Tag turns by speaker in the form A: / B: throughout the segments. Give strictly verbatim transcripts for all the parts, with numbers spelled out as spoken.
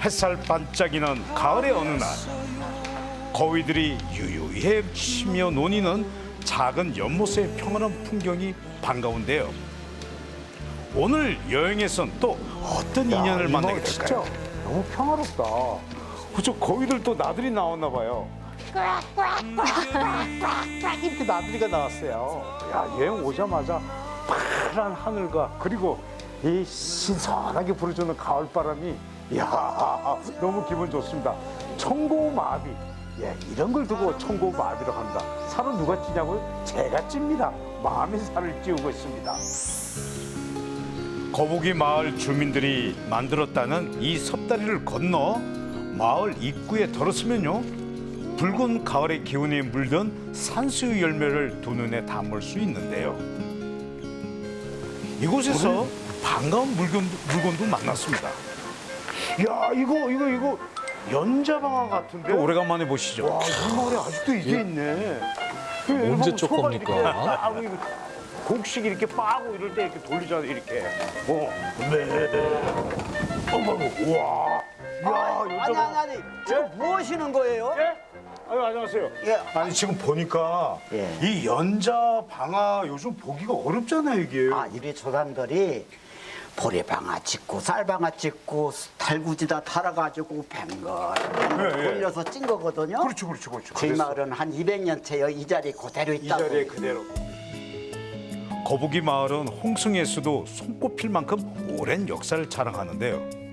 A: 햇살 반짝이는 가을의 어느 날 거위들이 유유히 치며 노니는 작은 연못의 평안한 풍경이 반가운데요. 오늘 여행에선 또 어떤 인연을 만나게 될까요?
B: 진짜 너무 평화롭다. 그저 거위들 또 나들이 나왔나 봐요. 꽉꽉꽉꽉꽉 이렇게 나들이가 나왔어요. 야, 여행 오자마자 파란 하늘과 그리고 이 신선하게 불어주는 가을바람이 이야 너무 기분 좋습니다. 청고마비. 예, 이런 걸 두고 청고마비라고 합니다. 살은 누가 찌냐고요? 제가 찝니다. 마음이 살을 찌우고 있습니다.
A: 거북이 마을 주민들이 만들었다는 이 섭다리를 건너 마을 입구에 들어서면요, 붉은 가을의 기운이 물든 산수유 열매를 두 눈에 담을 수 있는데요. 이곳에서 반가운 물건, 물건도 만났습니다.
B: 야, 이거 이거 이거 연자방아 같은데?
A: 오래간만에 보시죠.
B: 와, 이 마을에 아직도 이게 있네.
C: 언제 쪽 겁니까?
B: 빠고 이거 곡식 이렇게 빠고 이럴 때 이렇게 돌리잖아요, 이렇게. 어, 네. 어머, 우와. 야,
D: 아니 아니
B: 연자방아.
D: 아니 지금 뭐 하시는 거예요?
B: 예? 아유, 안녕하세요.
D: 예.
A: 아니 지금 보니까
D: 예.
A: 이 연자방아 요즘 보기가 어렵잖아요, 이게.
D: 아 이리 조상들이 보리방아 찍고 쌀방아 찍고 달구지다 달아가지고 뱅글
A: 예, 예.
D: 돌려서 찐 거거든요.
A: 그렇죠, 그렇죠, 그렇죠.
D: 저희
A: 그래서
D: 마을은 한 이백 년째 이 자리에 그대로
A: 이
D: 있다고.
A: 자리에 그대로. 거북이 마을은 홍성에서도 손꼽힐 만큼 오랜 역사를 자랑하는데요.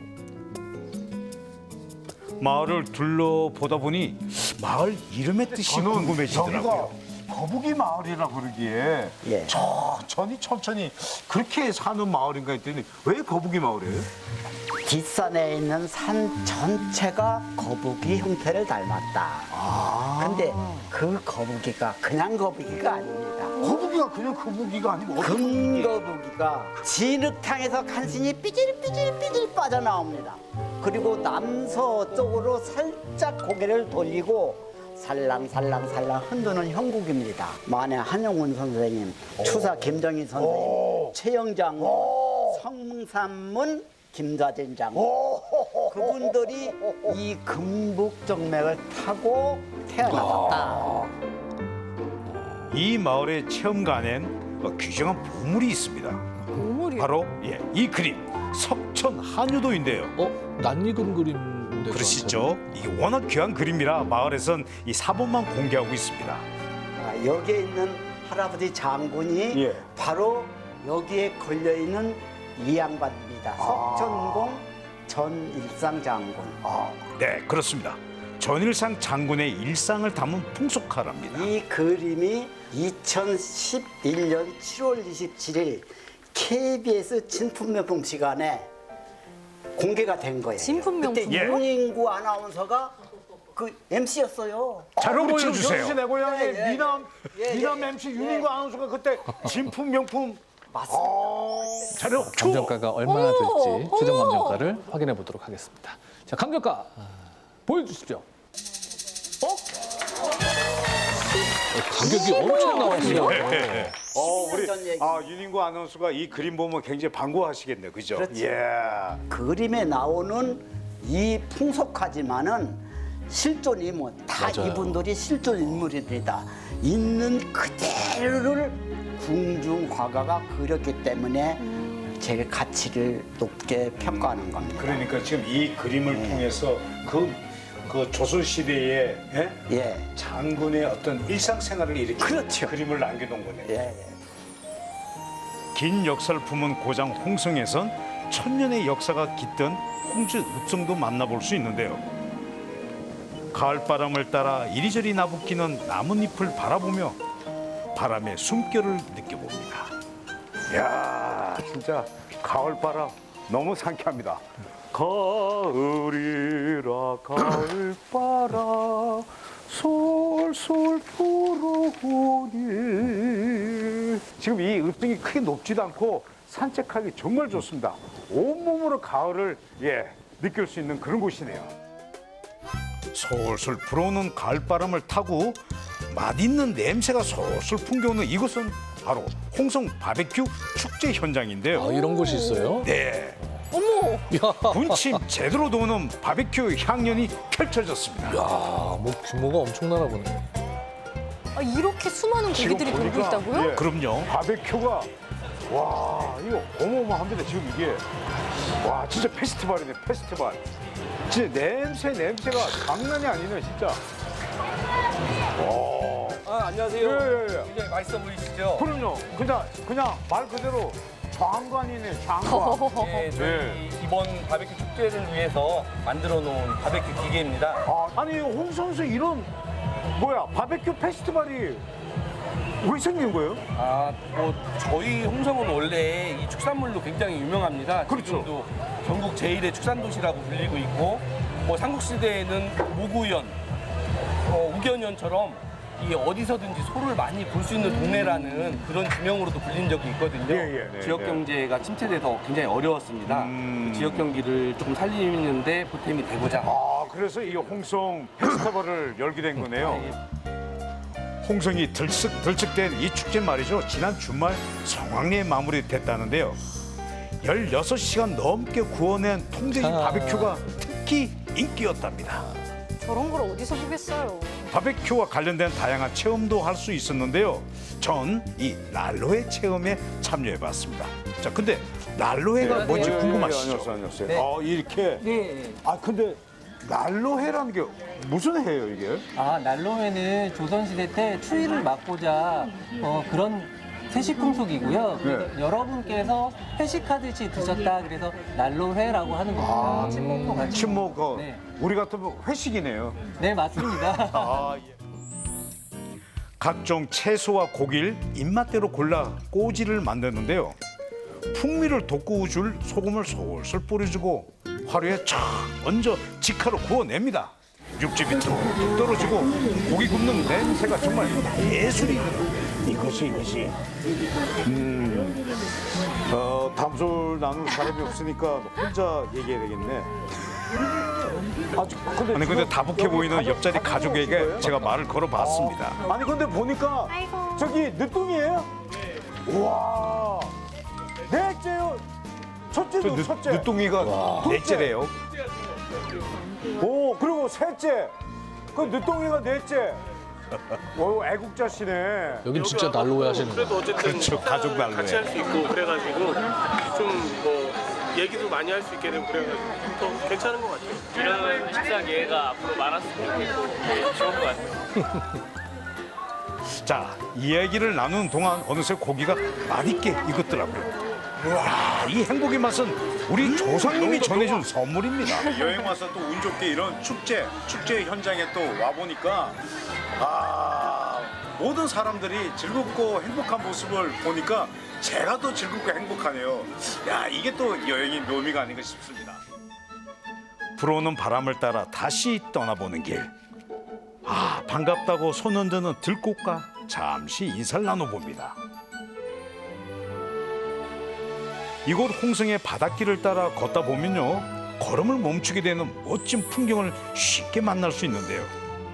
A: 마을을 둘러보다 보니 마을 이름의 뜻이 궁금해지더라고요.
B: 여기가 거북이 마을이라 그러기에
D: 예.
B: 천천히 천천히 그렇게 사는 마을인가 했더니 왜 거북이 마을이에요?
D: 뒷산에 있는 산 전체가 거북이 형태를 닮았다.
B: 아.
D: 근데 그 거북이가 그냥 거북이가 아닙니다.
B: 거북이가 그냥 거북이가 아니고 어떤 거북이?
D: 금거북이가 진흙탕에서 간신히 삐질삐질삐질 빠져나옵니다. 그리고 남서쪽으로 살짝 고개를 돌리고 살랑살랑살랑 흔드는 형국입니다. 만해 한용운 선생님, 추사 김정희 선생님, 최영장, 성삼문 김자진 장군 그분들이 이 금북정맥을 타고 태어나셨다.
A: 이 마을의 체험관엔 어, 귀중한 보물이 있습니다.
E: 보물이요?
A: 바로 예, 이 그림 석천 한유도인데요.
C: 어? 낯익은 그림인데.
A: 그러시죠? 이게 워낙 귀한 그림이라 마을에선 이 사본만 공개하고 있습니다.
D: 아, 여기에 있는 할아버지 장군이
B: 예.
D: 바로 여기에 걸려 있는 이 양반입니다. 석천공 전일상 장군.
A: 네, 그렇습니다. 전일상 장군의 일상을 담은 풍속화랍니다.
D: 이 그림이 이천십일 년 칠월 이십칠일 케이비에스 진품명품 시간에 공개가 된 거예요.
E: 진품명품?
D: 그때
A: 예.
D: 윤인구 아나운서가 그 엠씨였어요.
A: 자료
B: 우리
A: 보여주세요.
B: 영수 내 고향의
D: 예, 예,
B: 미남
D: 예,
B: 미남
D: 예,
B: 엠씨
D: 예.
B: 윤인구 아나운서가 그때 진품 명품
D: 맞습니다.
A: 자료 큐!
C: 감정가가 얼마나
E: 어머,
C: 될지 최종
E: 어머.
C: 감정가를 확인해 보도록 하겠습니다. 자, 감정가 보여주십시오. 어? 어, 가격이 엄청 나왔어요.
B: 어, 우리
D: 전 얘기.
B: 아 윤인구 아나운서가 이 그림 보면 굉장히 반가워하시겠네요, 그죠?
D: 그렇죠.
B: 예.
D: 그림에 나오는 이 풍속하지만은 실존 인물 다
C: 맞아요.
D: 이분들이 실존 인물입니다. 있는 그대로를 궁중 화가가 그렸기 때문에 제 가치를 높게 평가하는 겁니다.
A: 그러니까 지금 이 그림을 통해서 그, 그 조선 시대의 예?
D: 예,
A: 장군의 어떤 일상생활을 이렇게
D: 그렇죠.
A: 그림을 남겨놓은 거네요.
D: 예, 예.
A: 긴 역사를 품은 고장 홍성에선 천년의 역사가 깃든 홍주 읍성도 만나볼 수 있는데요. 가을바람을 따라 이리저리 나부끼는 나뭇잎을 바라보며 바람의 숨결을 느껴봅니다.
B: 야, 진짜 가을바람 너무 상쾌합니다. 가을이라 가을바람 솔솔 불어오니. 지금 이 읍등이 크게 높지도 않고 산책하기 정말 좋습니다. 온몸으로 가을을 예 느낄 수 있는 그런 곳이네요.
A: 솔솔 불어오는 가을바람을 타고 맛있는 냄새가 솔솔 풍겨오는 이곳은 바로 홍성 바베큐 축제 현장인데요.
C: 아, 이런 곳이 있어요?
A: 네,
C: 야,
A: 군침 제대로 도는 바베큐 향연이 펼쳐졌습니다.
C: 야, 뭐 규모가 엄청나나 보네.
E: 아, 이렇게 수많은
B: 지금
E: 고기들이 돌고
B: 보니까,
E: 있다고요?
B: 예.
A: 그럼요.
B: 바베큐가 와 이거 어마어마합니다 지금 이게. 와 진짜 페스티벌이네 페스티벌. 진짜 냄새 냄새가 장난이 아니네 진짜.
F: 아, 안녕하세요.
B: 예예예.
F: 굉장히 맛있어 보이시죠?
B: 그럼요. 그냥 그냥 말 그대로 장관이네 장관.
F: 네, 저희 이번 바베큐 축제를 위해서 만들어 놓은 바베큐 기계입니다.
B: 아, 아니 홍 선수 이런 뭐야 바베큐 페스티벌이 왜 생긴 거예요?
F: 아, 뭐 저희 홍성은 원래 이 축산물로 굉장히 유명합니다.
B: 그렇죠.
F: 지금도 전국 제일의 축산 도시라고 불리고 있고, 뭐 삼국시대에는 모구연, 어, 우견연처럼 이 어디서든지 소를 많이 볼 수 있는 동네라는 그런 지명으로도 불린 적이 있거든요.
B: 예, 예, 네,
F: 지역
B: 네.
F: 경제가 침체돼서 굉장히 어려웠습니다.
B: 음.
F: 그 지역 경기를 조금 살리는데 보탬이 되고자.
B: 아 그래서 이 홍성 페스티벌을 열게 된 거네요.
A: 홍성이 들썩 들썩된 이 축제 말이죠. 지난 주말 성황리에 마무리됐다는데요. 열여섯 시간 넘게 구워낸 통돼지
C: 자.
A: 바베큐가 특히 인기였답니다.
E: 저런 걸 어디서 보겠어요.
A: 바베큐와 관련된 다양한 체험도 할 수 있었는데요. 전 이 난로회 체험에 참여해봤습니다. 자, 근데 난로회가 뭔지
B: 예, 예,
A: 궁금하시죠?
B: 예, 안녕하세요, 안녕하세요.
F: 네.
B: 아 이렇게.
F: 네.
B: 아 근데 난로회라는 게 무슨 회예요 이게?
G: 아, 난로회는 조선시대 때 추위를 막고자 어, 그런 회식풍속이고요. 그래서 여러분께서 회식하듯이 드셨다 그래서 난로회라고 하는 겁니다. 친목도 같이.
B: 친목 그
G: 네.
B: 우리 같으면 회식이네요.
G: 네, 맞습니다.
A: 아, 예. 각종 채소와 고기를 입맛대로 골라 꼬지를 만드는데요. 풍미를 돋구어줄 소금을 솔솔 뿌려주고 화로에 촥 얹어 직화로 구워냅니다. 육즙이 툭 떨어지고 고기 굽는 냄새가 정말 예술이거든요.
B: 이것이 이것이. 음. 어 담술 나눌 사람이 없으니까 혼자 얘기해야 되겠네. 아, 근데
A: 아니 근데
B: 지금
A: 다복해
B: 여기
A: 보이는
B: 가족-
A: 옆자리
B: 가족이
A: 가족에게
B: 없는 거예요?
A: 제가 말을 걸어봤습니다.
B: 아니 근데 보니까 저기 늦둥이에요? 우와 넷째요. 첫째도
A: 늦,
B: 첫째.
A: 늦둥이가 넷째래요.
B: 오 그리고 셋째. 그 늦둥이가 넷째. 오 애국자시네.
C: 여긴 진짜 난로회 하시는 거예요.
H: 그래도 어쨌든
A: 그렇죠, 가족 난로회.
H: 같이 할 수 있고 그래가지고 좀 뭐 얘기도 많이 할 수 있게 되고 그래가지고 또 괜찮은 것 같아요.
I: 이런 식사 기회가 앞으로 많았으면 좋겠고 네, 좋은 것 같아요.
A: 자, 이야기를 나누는 동안 어느새 고기가 맛있게 익었더라고요. 와, 이 행복의 맛은 우리 조상님이 전해준 선물입니다.
J: 여행 와서 또 운 좋게 이런 축제, 축제 현장에 또 와보니까 아 모든 사람들이 즐겁고 행복한 모습을 보니까 제가 더 즐겁고 행복하네요. 야 이게 또 여행의 묘미가 아닌가 싶습니다.
A: 불어오는 바람을 따라 다시 떠나보는 길. 아, 반갑다고 손 흔드는 들꽃과 잠시 인사를 나눠봅니다. 이곳 홍성의 바닷길을 따라 걷다 보면요, 걸음을 멈추게 되는 멋진 풍경을 쉽게 만날 수 있는데요.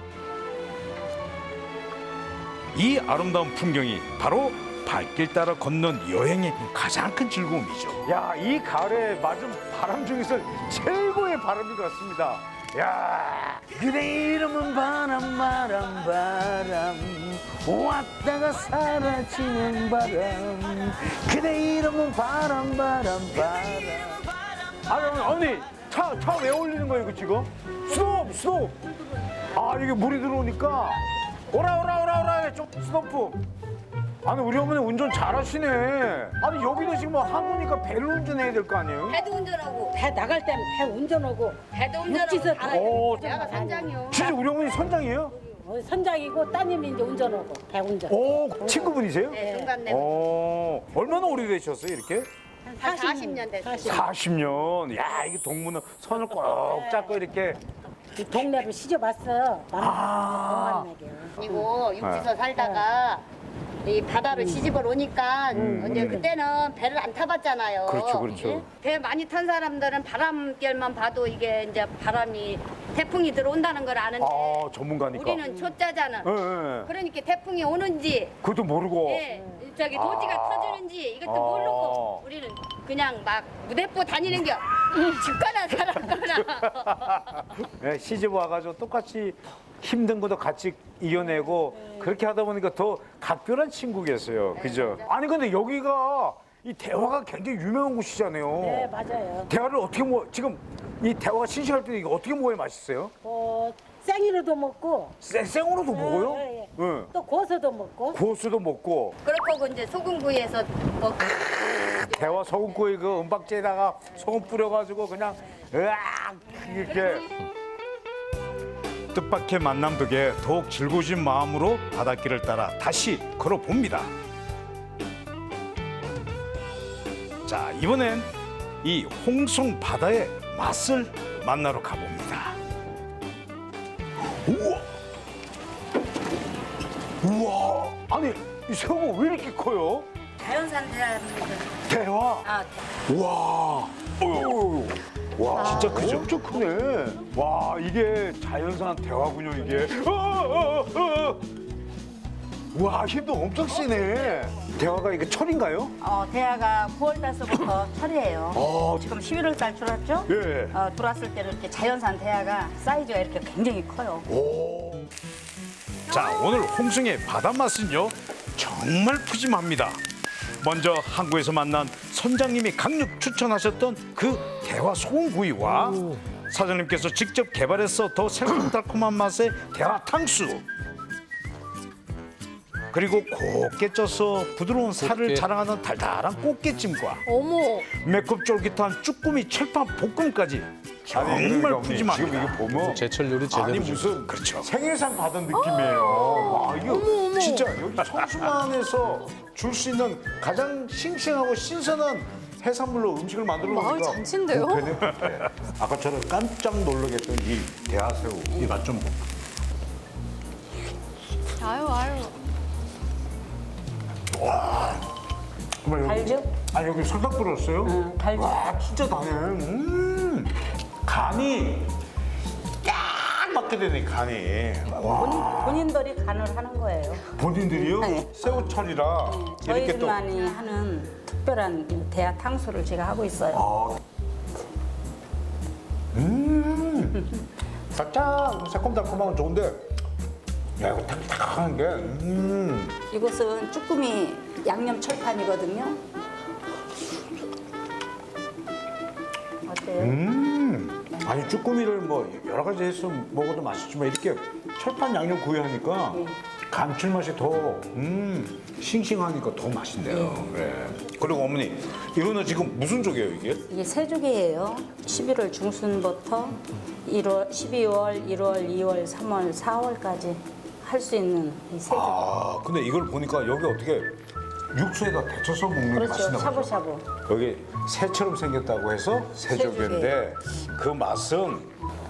A: 이 아름다운 풍경이 바로 발길 따라 걷는 여행의 가장 큰 즐거움이죠.
B: 야, 이 가을에 맞은 바람 중에서 최고의 바람인 것 같습니다. 야, 그대 이름은 바람, 바람, 바람. 왔다가 사라지는 바람. 그대 이름은 바람, 바람, 바람. 아, 언니, 차, 차 왜 올리는 거예요, 이거 지금? 스톱, 스톱. 아, 이게 물이 들어오니까. 오라, 오라, 오라, 오라. 좀 스톱. 아니 우리 어머니 운전 잘하시네. 아니 여기는 지금 뭐 항우니까 배를 운전해야 될 거 아니에요?
K: 배도 운전하고 배 나갈 때는 배 운전하고 배도 운전하고 다
B: 오,
K: 내가 선장이요.
B: 진짜 우리 어머니 선장이에요?
K: 어, 선장이고 따님이 이제 운전하고 배 운전.
B: 오, 친구분이세요?
K: 네, 동갑내.
B: 오, 얼마나 오래되셨어요 이렇게?
K: 한 사십 년 됐어요.
B: 사십 년. 야, 이게 동무는 손을 꼭 잡고 이렇게.
K: 이 동네를 시져봤어.
B: 아.
K: 그리고 육지서 살다가 이 바다로 시집을 오니까 이제 그때는 배를 안 타봤잖아요.
B: 그렇죠, 그렇죠.
K: 예? 배 많이 탄 사람들은 바람결만 봐도 이게 이제 바람이 태풍이 들어온다는 걸 아는데
B: 아, 전문가니까.
K: 우리는 초짜잖아.
B: 예, 예.
K: 그러니까 태풍이 오는지
B: 그것도 모르고.
K: 예, 저기 도지가
B: 아.
K: 터지는지 이것도
B: 아.
K: 모르고 우리는 그냥 막 무대포 다니는 겨 죽거나 살았거나.
B: 예, 시집 와가지고 똑같이 힘든 것도 같이 이겨내고 그렇게 하다 보니까 더 각별한 친구겠어요. 그죠? 아니 근데 여기가 이 대화가 굉장히 유명한 곳이잖아요.
K: 네, 맞아요.
B: 대화를 어떻게 먹 지금 이 대화가 신식할 때 이거 어떻게 먹어야 맛있어요?
K: 어, 생이로도 먹고
B: 생, 생으로도 먹어요?
K: 예, 예.
B: 응.
K: 또 구워서도 먹고.
B: 구워서도 먹고.
K: 그렇고 이제 소금구이에서 먹고.
B: 대화 소금구이 그 은박지에다가 소금 뿌려가지고 그냥 으악 이렇게.
A: 뜻밖의 만남 덕에 더욱 즐거우신 마음으로 바닷길을 따라 다시 걸어봅니다. 자, 이번엔 이 홍성 바다의 맛을 만나러 가봅니다.
B: 우와! 우와! 아니 이 새우가 왜 이렇게 커요?
K: 자연산 대합니다.
B: 대화.
K: 아,
B: 와, 어휴, 와, 진짜 크죠? 엄청 크네. 와, 이게 자연산 대화군요, 이게. 어, 어, 어, 어. 와, 힘도 엄청 세네. 대화가 이게 철인가요?
K: 어, 대하가 구월 달서부터 철이에요.
B: 아,
K: 지금 십일월 달 들어왔죠?
B: 예.
K: 어, 들어왔을 때는 이렇게 자연산 대하가 사이즈가 이렇게 굉장히 커요.
B: 오.
A: 자, 오늘 홍성의 바다 맛은요 정말 푸짐합니다. 먼저 항구에서 만난 선장님이 강력 추천하셨던 그 대화 소금구이와 사장님께서 직접 개발해서 더 새콤달콤한 맛의 대화 탕수, 그리고 곱게 쪄서 부드러운 살을 자랑하는 달달한 꽃게찜과
E: 어머.
A: 매콤 쫄깃한 쭈꾸미 철판 볶음까지 정말 푸짐합니다.
B: 지금 이거 보면
C: 제철 요리 제대로.
B: 아니 무슨
A: 그렇죠.
B: 생일상 받은 느낌이에요. 와, 이거 진짜 여기 청수만에서 줄 수 있는 가장 싱싱하고 신선한 해산물로 음식을 만들어 놓으니까
E: 마을 잔치인데요?
B: 네. 아까처럼 깜짝 놀라게 했던 이 대하새우 이 맛 좀 봐.
E: 아유 아유.
B: 정말 여기,
K: 달죠?
B: 아니 여기 설탕 뿌렸어요?
K: 응, 달죠.
B: 와, 진짜 다네. 음, 간이 딱 맞게 되네, 간이. 와,
K: 본인, 본인들이 간을 하는 거예요.
B: 본인들이요?
K: 네.
B: 새우철이라 이렇게 또.
K: 저희들만이 하는 특별한 이 대하 탕수를 제가 하고 있어요.
B: 아. 음, 살짝 새콤달콤한 건 좋은데, 야, 이거 탁탁한 게, 음.
K: 이것은 쭈꾸미 양념 철판이거든요. 어때요?
B: 음. 아니, 쭈꾸미를 뭐 여러 가지 해서 먹어도 맛있지만 이렇게 철판 양념 구이하니까
K: 네.
B: 감칠맛이 더, 음, 싱싱하니까 더 맛있네요. 네. 그리고 어머니, 이거는 지금 무슨 조개예요, 이게?
K: 이게 새조개예요. 십일월 중순부터 일월, 십이월, 일월, 이월, 삼월, 사월까지 할 수 있는 이 새조개.
B: 아, 근데 이걸 보니까 여기 어떻게 육수에다 데쳐서 먹는 게
K: 그렇죠.
B: 맛있나 보죠?
K: 샤브샤브.
B: 여기 새처럼 생겼다고 해서 새조개인데 그 맛은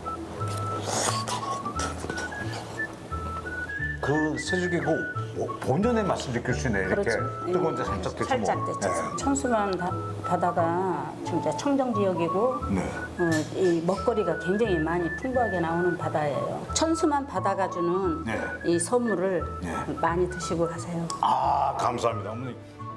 B: 그 새조개 그 본연의 맛을 느낄 수 있네. 이렇게
K: 그렇죠.
B: 뜨거운 데
K: 예.
B: 살짝 데쳐
K: 살짝
B: 먹으면.
K: 데쳐서. 천수만 바, 바다가 진짜 청정 지역이고
B: 네.
K: 어, 이 먹거리가 굉장히 많이 풍부하게 나오는 바다예요. 천수만 바다가 주는
B: 네.
K: 이 선물을
B: 네.
K: 많이 드시고 가세요.
A: 아, 감사합니다, 어머니.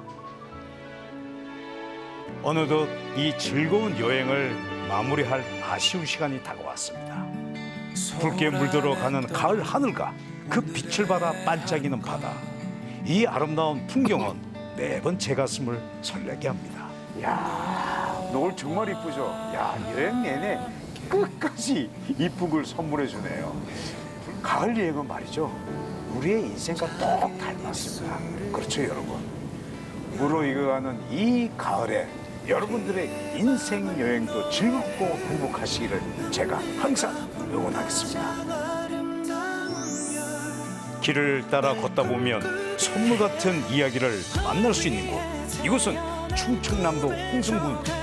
A: 어느덧 이 즐거운 여행을 마무리할 아쉬운 시간이 다가왔습니다. 붉게 물들어 가는 가을 하늘과 그 빛을 받아 반짝이는 바다. 이 아름다운 풍경은 매번 제 가슴을 설레게 합니다.
B: 야, 노을 정말 이쁘죠? 야, 여행 내내 끝까지 이쁜 걸 선물해 주네요. 가을 여행은 말이죠. 우리의 인생과 똑 닮았습니다. 그렇죠, 여러분? 무르익어가는 이 가을에 여러분들의 인생 여행도 즐겁고 행복하시기를 제가 항상 응원하겠습니다.
A: 길을 따라 걷다 보면 선물 같은 이야기를 만날 수 있는 곳. 이곳은 충청남도 홍성군